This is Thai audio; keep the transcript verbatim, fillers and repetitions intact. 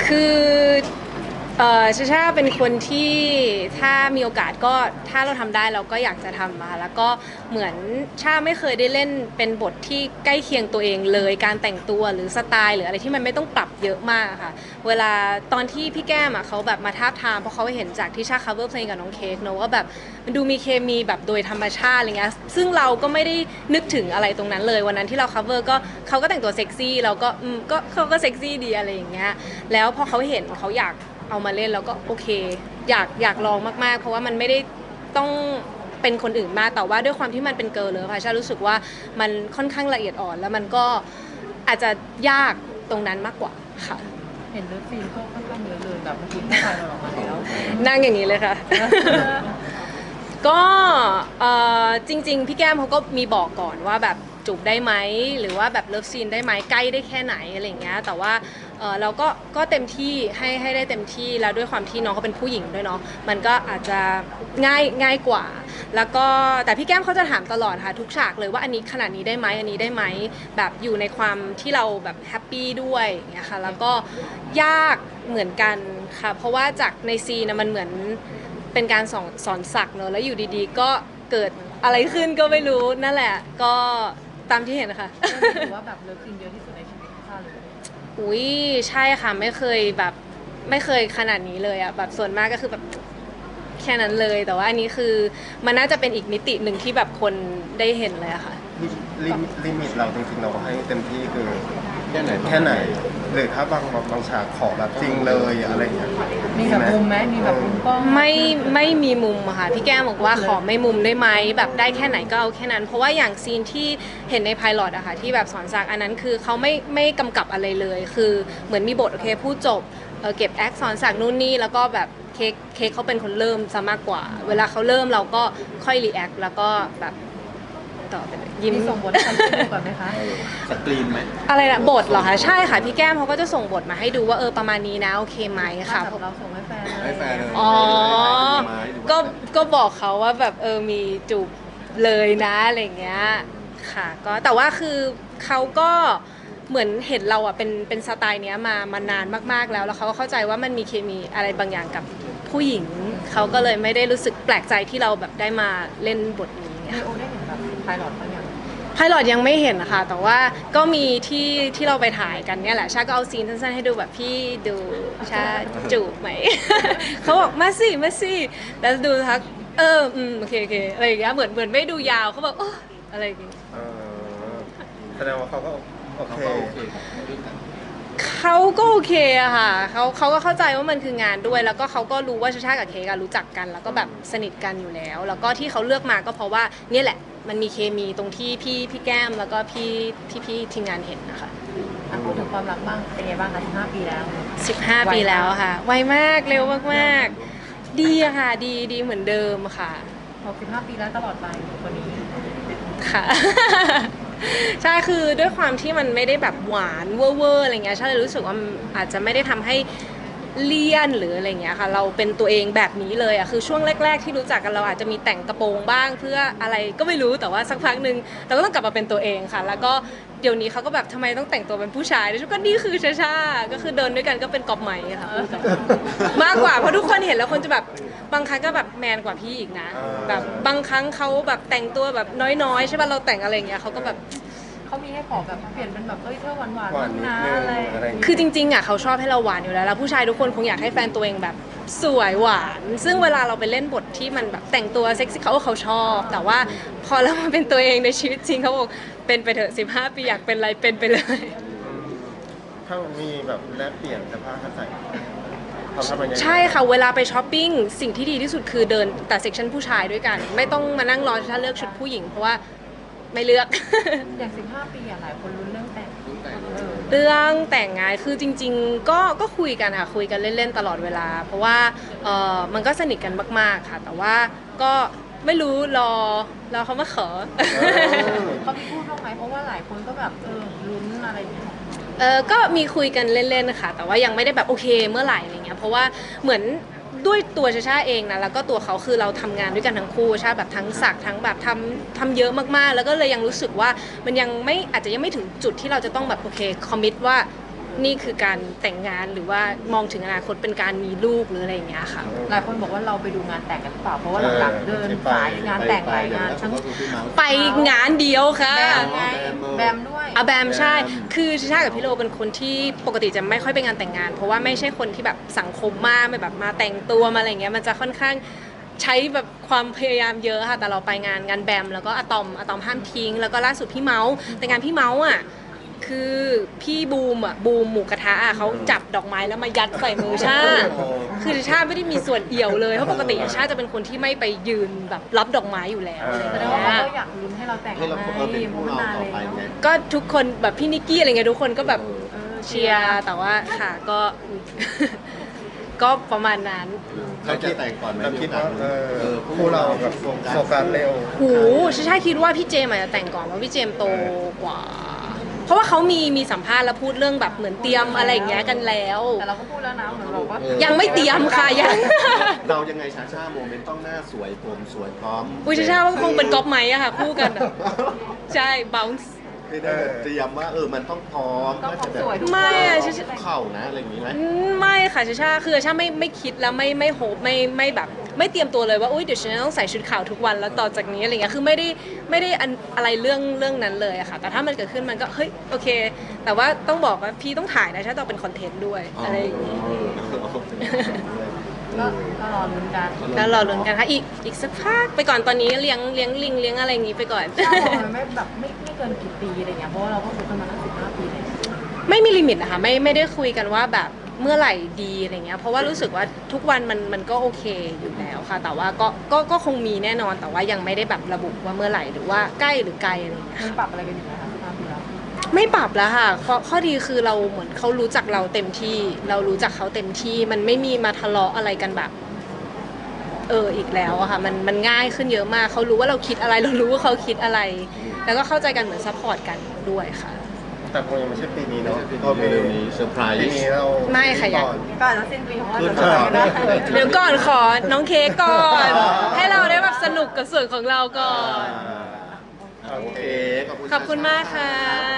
คือเออชาชาเป็นคนที่ถ้ามีโอกาสก็ถ้าเราทำได้เราก็อยากจะทำมาแล้วก็เหมือนชาไม่เคยได้เล่นเป็นบทที่ใกล้เคียงตัวเองเลยการแต่งตัวหรือสไตล์หรืออะไรที่มันไม่ต้องปรับเยอะมากค่ะเวลาตอนที่พี่แก้มอ่ะเขาแบบมาทาบทามเพราะเขาเห็นจากที่ชา cover เพลงกับน้องเค้กเนอะว่าแบบมันดูมีเคมีแบบโดยธรรมชาติอะไรเงี้ยซึ่งเราก็ไม่ได้นึกถึงอะไรตรงนั้นเลยวันนั้นที่เรา cover ก็เขาก็แต่งตัวเซ็กซี่เราก็อืมก็เขาก็เซ็กซี่ดีอะไรอย่างเงี้ยแล้วพอเขาเห็นเขาอยากเอามาเล่นแล้วก็โอเคอยากอยากลองมากๆเพราะว่ามันไม่ได้ต้องเป็นคนอื่นมากแต่ว่าด้วยความที่มันเป็นเกิร์ลเลยค่ะชารู้สึกว่ามันค่อนข้างละเอียดอ่อนแล้วมันก็อาจจะยากตรงนั้นมากกว่าค่ะเห็นเลิฟซีนก็ค่อนข้างเยอะเลยแบบเมื่อกี้ที่ถ่ายเราออกมาแล้วนั่งอย่างนี้เลยค่ะ ก็เอ่อจริงๆพี่แก้มเขาก็มีบอกก่อนว่าแบบจูบได้ไหมหรือว่าแบบเลิฟซีนได้ไหมใกล้ได้แค่ไหนอะไรอย่างเงี้ยแต่ว่าเอ่อเราก็ก็เต็มที่ให้ให้ได้เต็มที่แล้วด้วยความที่น้องเขาเป็นผู้หญิงด้วยเนาะมันก็อาจจะง่ายง่ายกว่าแล้วก็แต่พี่แก้มเขาจะถามตลอดค่ะทุกฉากเลยว่าอันนี้ขนาดนี้ได้ไหมอันนี้ได้ไหมแบบอยู่ในความที่เราแบบแฮปปี้ด้วยอย่างเงี้ยค่ะแล้วก็ยากเหมือนกันค่ะเพราะว่าจากในซีนนะมันเหมือนเป็นการสอนสอนสักเนอะแล้วอยู่ดีๆก็เกิดอะไรขึ้นก็ไม่รู้นั่นแหละก็ตามที่เห็นนะคะถือว่าแบบเลิฟซีนเยอะที่สุดในชีวิตข้าเลยอุ้ยใช่ค่ะไม่เคยแบบไม่เคยขนาดนี้เลยอะแบบส่วนมากก็คือแบบแค่นั้นเลยแต่ว่าอันนี้คือมันน่าจะเป็นอีกมิติหนึ่งที่แบบคนได้เห็นเลยอะค่ะลิมิตลิมิตเราจริงๆเราให้เต็มที่คือแค่ไหนแค่ไหนหรือถ้าบางบางฉากขอแบบจริงเลยอะไรอย่างเงี้ยมีแบบมุมไหมมีแบบมุมกล้องไม่ไม่มีมุมอะค่ะพี่แก้มบอกว่าขอไม่มุมได้ไหมแบบได้แค่ไหนก็เอาแค่นั้นเพราะว่าอย่างซีนที่เห็นในไพลอตอะค่ะที่แบบสอนสักอันนั้นคือเขาไม่ไม่กำกับอะไรเลยคือเหมือนมีบทโอเคพูดจบเออเก็บแอคสอนสักนู่นนี่แล้วก็แบบเค้กเค้กเขาเป็นคนเริ่มซะมากกว่า เวลาเขาเริ่มเราก็ค่อยรีแอคแล้วก็แบบต่อไปเลยยิ้มมีส่งบทให้ฉันดูก่อนไหมคะสกรีนไหมอะไรนะบทเหรอคะใช่ค่ะพี่แก้มเขาก็จะส่งบทมาให้ดูว่าเออประมาณนี้นะโอเคไหมค่ะแบบเราส่งให้แฟนเลยให้แฟนเลยอ๋อไม้หรือว่าก็ก็บอกเขาว่าแบบเออมีจูบเลยนะอะไรเงี้ยค่ะก็แต่ว่าคือเขาก็เหมือนเห็นเราอ่ะเป็นเป็นสไตล์เนี้ยมามานานมากๆแล้วแล้วเขาก็เข้าใจว่ามันมีเคมีอะไรบางอย่างกับผู้หญิงเขาก็เลยไม่ได้รู้สึกแปลกใจที่เราแบบได้มาเล่นบทนี้มีโอได้เห็นแบบไพลอตบางอย่างไพลอตยังไม่เห็นนะคะแต่ว่าก็มีที่ที่เราไปถ่ายกันเนี่ยแหละชาก็เอาซีนสั้นๆให้ดูแบบพี่ดูชาจูบไหม เขาบอกมาสิมาสิแล้วดูทักเอออืมโอเคโอเคอะไรอย่างเงี้ยเหมือนเหมือนไม่ดูยาวเขาบอกโอ้อะไรอย่างเงี้ยเออแสดงว่าเขาก็โอเขาเคก็โอเคกับเรื่องนั้นเขาก็โอเคอะค่ะเขาเขาก็เข้าใจว่ามันคืองานด้วย แล้วก็เขาก็รู้ว่าชาชากับเค้กอะรู้จักกัน แล้วก็แบบสนิทกันอยู่แล้ว แล้วก็ที่เขาเลือกมาก็เพราะว่าเนี่ยแหละมันมีเคมีตรงที่พี่พี่แก้มแล้วก็พี่ที่พี่ทีมงานเห็นนะคะอ่ะพูดถึงความรักบ้างเป็นไงบ้างคะสิบห้าปีแล้วสิบห้า ปีแล้วค่ะไวมากเร็วมากๆ ดีอะค่ะดีดีเหมือนเดิมค่ะหกสิบห้าปีแล้วตลอดไปคนนี้ค่ะ ใช่คือด้วยความที่มันไม่ได้แบบหวานเวอร์เวอร์อะไรเงี้ยใช่เลยรู้สึกว่ามันอาจจะไม่ได้ทำให้เลี่ยนหรืออะไรเงี้ยค่ะเราเป็นตัวเองแบบนี้เลยอะคือช่วงแรกๆที่รู้จักกันเราอาจจะมีแต่งกระโปรงบ้างเพื่ออะไรก็ไม่รู้แต่ว่าสักพักหนึ่งเราก็ต้องกลับมาเป็นตัวเองค่ะ แล้วก็เดี๋ยวนี้เขาก็แบบทำไมต้องแต่งตัวเป็นผู้ชายด้วยก็นี่คือชาชาก็คือเดินด้วยกันก็เป็นกอบไหมค่ะมากกว่าเพราะทุกคนเห็นแล้วคนจะแบบบางครั้งก็แบบแมนกว่าพี่อีกนะแบบบางครั้งเขาแบบแต่งตัวแบบน้อยๆใช่ป่ะเราแต่งอะไรเงี้ยเขาก็แบบเขามีให้ขอแบบเปลี่ยนเป็นแบบเอ้ยเธอหวานหวานหวานนิดนะนึงอะไรอะไรอย่างเงี้ยคือจริงๆอ่ะเขาชอบให้เราหวานอยู่แล้วแล้วผู้ชายทุกคนคงอยากให้แฟนตัวเองแบบสวยหวาน ซึ่งเวลาเราไปเล่นบทที่มันแบบแต่งตัวเซ็กซี่เขาก็เขาชอบ แต่ว่าพอเรามาเป็นตัวเองในชีวิตจริงเขาบอกเป็นไปเถอะสิบห้าปีอยากเป็นอะไรเป็นไปเลยถ้ามันมีแบบแลกเปลี่ยนเสื้อผ้ากันใส่เขาทำยังไงใช่ค่ะเวลาไปช้อปปิ้งสิ่งที่ดีที่สุดคือเดินแต่เซ็กชันผู้ชายด้วยกัน ไม่ต้องมานั่งรอถ้าเลือกชุดผู้หญิงเพราะว่าไม่เลือกอย่างสิบห้าปีอะหลายคนลุ้นเรื่องแต่งรุ่นแต่งเออเรื่องแต่งงานคือจริงๆก็ก็คุยกันค่ะคุยกันเล่นๆตลอดเวลา เพราะว่าเออมันก็สนิทกันมากๆค่ะ แต่ว่าก็ไม่รู้รอรอเขามาขอเขามีพูดบ้างไหมเพราะว่าหลายคนก็แบบเออลุ้นอะไรอย่างเงี้ยเออก็มีคุยกันเล่นๆค่ะแต่ว่ายังไม่ได้แบบโอเคเมื่อไหร่อะไรเงี้ยเพราะว่าเหมือนด้วยตัวชาชาเองนะแล้วก็ตัวเขาคือเราทำงานด้วยกันทั้งคู่ชาแบบทั้งสักทั้งแบบทำทำเยอะมากๆ แล้วก็เลยยังรู้สึกว่ามันยังไม่อาจจะยังไม่ถึงจุดที่เราจะต้องแบบโอเคคอมมิตว่านี่คือการแต่งงานหรือว่ามองถึงอนาคตเป็นการมีลูกหรืออะไรอย่างเงี้ยค่ะหลายคนบอกว่าเราไปดูงานแต่งกันหรือเปล่าเพราะว่าหลังๆเดินสายงานแต่งหลายงานทั้งไปงานเดียวค่ะแบมไงแบมด้วยอาแบมใช่ คือชากับพี่โลเป็นคนที่ปกติจะไม่ค่อยไปงานแต่งงาน เพราะว่าไม่ใช่คนที่แบบสังคมมากไม่แบบมาแต่งตัวมาอะไรเงี้ยมันจะค่อนข้างใช้แบบความพยายามเยอะค่ะแต่เราไปงานงานแบมแล้วก็อะตอมอะตอมห้ามทิ้งแล้วก็ล่าสุดพี่เมาส์แต่งานพี่เมาส์อ่ะคือพี่บูมอ่ะบูมหมูกระทะอ่ะเขาจับดอกไม้แล้วมายัดใส่มือชาคือชาไม่ได้มีส่วนเอี่ยวเลยเพราะปกติชาจะเป็นคนที่ไม่ไปยืนแบบรับดอกไม้อยู่แล้วอะไรแสดเงี้งว่าเขายก็อยากลุ้นให้เราแต่งให้เราไงเออเป็นเพผู้ราะว่าเรานานต่อเลยไปเนาะไงก็ทุกคนแบบพี่นิกกี้อะไรเงี้ยทุกคนก็แบบเออเชียร์แต่ว่าค่ะก็ ก็ประมาณนั้นเราจะแต่งก่อนไหมเราคิดว่าเออเออคู่เราแบบโฟกัสเร็วหูชาชาคิดว่าพี่เจมส์อาจจะแต่งก่อนเพราะพี่เจมส์โตกว่า เพราะว่าเขามีมีสัมภาษณ์แล้วพูดเรื่องแบบเหมือนเตรียมอะไรอย่างเงี้ยกันแล้วแต่เราก็พูดแล้วนะเหมือนบอกว่ายังไม่เตรียมค่ะยังเรายังไงชาชาโมเมนต์ต้องหน้าสวยผมสวยพร้อมอุ้ยชาชาว่าคงเป็นก๊อปไม้อะค่ะคู่กันอะใช่ bounce ไม่ได้เตรียมว่าเออมันต้องพร้อมต้องน่าจะแบบสวยทุกไม่อะคนชาเข่านะอะไรอย่างนี้ไหมอืมไม่ค่ะชาชาคือชาไม่ไม่คิดแล้วไม่ไม่โฮปไม่ไม่แบบ ไม่เตรียมตัวเลยว่าอุ้ยเดี๋ยวฉันจะต้องใส่ชุดขาวทุกวันแล้วต่อจากนี้อะไรเงี้ยคือไม่ได้ไม่ได้อันอะไรเรื่องเรื่องนั้นเลยอะค่ะ แต่ถ้ามันเกิดขึ้นมันก็เฮ้ยโอเค แต่ว่าต้องบอกว่าพี่ต้องถ่ายนะชาต้องเป็นคอนเทนต์ด้วยอะไรอย่างงี้ก็ก็รอลุ้นกันแล้วรอลุ้นกันค่ะอีกอีกสักพักไปก่อนตอนนี้เลี้ยงเลี้ยงลิงเลี้ยงอะไรอย่างงี้ไปก่อนใช่มันไม่แบบไม่ไม่เกินกี่ปีอะไรเงี้ยเพราะว่าเราก็คบกันมาตั้งสิบห้าปีเลยไม่มีลิมิตนะคะไม่ไม่ได้คุยกันว่าแบบเมื่อไหร่ดีอะไรเงี้ยเพราะว่ารู้สึกว่าทุกวันมันมันก็โอเคอยู่แล้วค่ะ แต่ว่าก็ก็ก็คงมีแน่นอนแต่ว่ายังไม่ได้แบบระบุว่าเมื่อไหร่หรือว่าใกล้หรือไกลอะไรเงี้ยมันปรับอะไรกันอยู่ไหมคะสิบห้าปีแล้วไม่ปรับแล้วค่ะข้อข้อดีคือเราเหมือนเขารู้จักเราเต็มที่ เรารู้จักเขาเต็มที่ มันไม่มีมาทะเลาะอะไรกันแบบ เอออีกแล้วอะค่ะมันมันง่ายขึ้นเยอะมากเขารู้ว่าเราคิดอะไร เรารู้ว่าเขาคิดอะไร แล้วก็เข้าใจกันเหมือนซัพพอร์ตกันด้วยค่ะแต่คงยังไม่ใช่ปีนี้เนาะปีก็ปีนี้เซอร์ไพรปีส์นี้เราไม่ค่ะยังก่อนก็อาจจะสิ้นปีของเราขึ้จะนเจอมากันได้เดี๋ยวก่อนขอน้องเค้กก่อน ให้เราได้แบบสนุกกับส่วนของเราก่อนโอเค ขอบคุณขอบคุณมากค่ะ